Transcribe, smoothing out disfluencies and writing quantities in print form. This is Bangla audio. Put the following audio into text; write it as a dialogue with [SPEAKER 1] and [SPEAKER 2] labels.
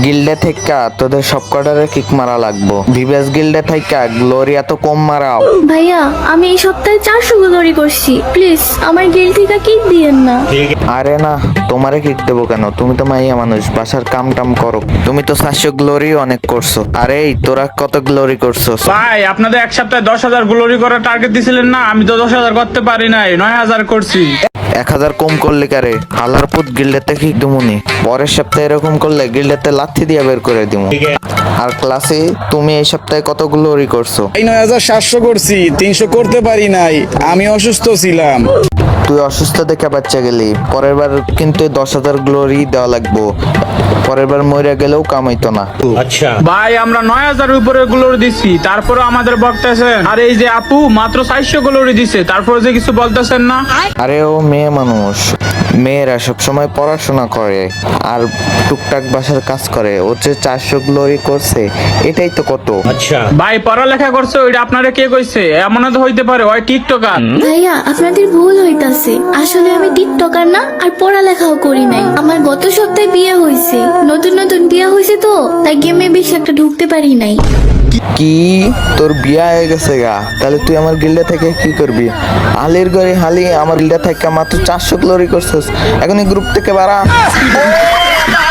[SPEAKER 1] গিল্ডে থেকে তোদের সব কটারে কিক মারা লাগবো। ভিভেস গিল্ডে থেকে গ্লোরি এত কম মারাও।
[SPEAKER 2] ভাইয়া আমি এই সপ্তাহে 400 গ্লোরি করছি, প্লিজ আমার গিল থেকে কিক দিয়েন না।
[SPEAKER 1] আরে না, তোমারে কিক দেবো কেন? তুমি তো মাইয়া মানুষ, বাসার কাম টাম করো। তুমি তো 400 গ্লোরি অনেক করছো। আরে এই তোরা কত গ্লোরি করছো?
[SPEAKER 3] ভাই আপনাদের এক সপ্তাহে 10,000 গ্লোরি করার টার্গেট দিছিলেন না, আমি তো 10,000 করতে পারি নাই, 9,000 করছি।
[SPEAKER 1] 1000 কম করলে কারে হালার পুত গিল্ডেতে কিক দিমুনি। পরের সপ্তাহে এরকম করলে গিল্ডেতে লাথি দিয়ে বের করে দিমু। আর ক্লাসে তুমি এই সপ্তাহে কত গ্লোরি করছো?
[SPEAKER 4] এই 9,700 করছি, 300 করতে পারি নাই, আমি অসুস্থ ছিলাম।
[SPEAKER 1] তুই অসুস্থ দেখে বাচ্চা গেলি, পরের বার কিন্তু 10,000 গ্লোরি দেওয়া লাগবো। পরের বার মরে গেলেও কামাইতো না।
[SPEAKER 3] ভাই আমরা 9,000 উপরে গ্লোরি দিচ্ছি, তারপরে আমাদের বলতেছেন। আর এই যে আপু মাত্র 400 গ্লোরি দিছে, তারপরে যে কিছু বলতেছেন না।
[SPEAKER 1] আরে ও মেয়ে মানুষ, মেয়েরা সবসময় পড়াশোনা করে আর টুকটাক বাসার কাজ করে। ও যে 400 গ্লোরি করছে এটাই তো কত।
[SPEAKER 3] ভাই পড়ালেখা করছে ওইটা আপনারা কে কইছে? এমনও তো হইতে পারে ওই টিকটকার।
[SPEAKER 2] ভাইয়া আপনাদের ভুল হইতাছে, আসলে আমি টিকটকার না আর পড়ালেখাও করি নাই। আমার গত সপ্তাহে বিয়ে হয়েছে, নতুন নতুন বিয়ে হয়েছে তো তাই গেমে বেশি একটা ঢুকতে পারি নাই।
[SPEAKER 1] কি তোর বিয়া হয়ে গেছে গা? তাহলে তুই আমার গিল্ডে থেকে কি করবি? হালির ঘরে হালি আমার গিল্ডে থেকে মাত্র 400 গ্লোরি করছিস, এখন এই গ্রুপ থেকে বাড়া।